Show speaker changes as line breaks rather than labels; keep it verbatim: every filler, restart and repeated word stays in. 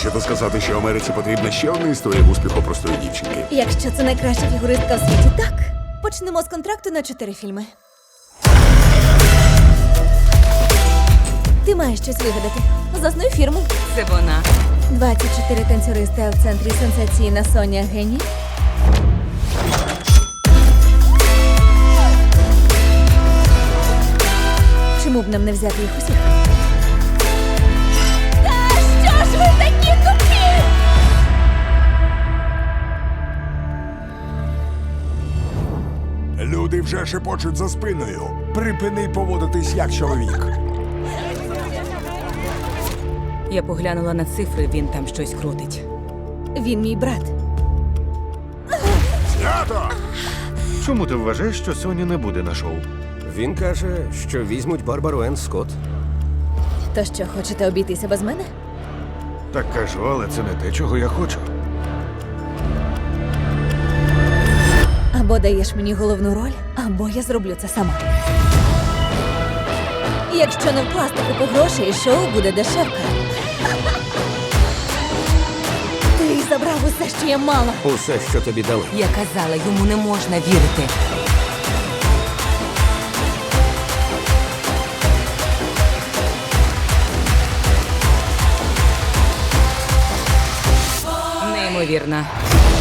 Хочете сказати, що Америці потрібна ще одна історія успіху простої дівчинки?
Якщо це найкраща фігуристка в світі, так. Почнемо з контракту на чотири фільми. Ти маєш щось вигадати. Заснуй фірму.
Це вона.
двадцять чотири танцюристи, а в центрі сенсаційна Соня Геній. Чому б нам не взяти їх усіх? Та що ж ви такі тупі?
Люди вже шепочуть за спиною. Припини поводитись як чоловік.
Я поглянула на цифри, він там щось крутить.
Він мій брат.
Знято!
Чому ти вважаєш, що Соня не буде на шоу?
Він каже, що візьмуть Барбару Енн Скотт.
То що, хочете обійтися без мене?
Так кажу, але це не те, чого я хочу.
Або даєш мені головну роль, або я зроблю це сама. Якщо не вкласти купу грошей, шоу буде дешевка. Ти забрав усе, що я мала.
Усе, що тобі дали.
Я казала, йому не можна вірити. Неймовірно.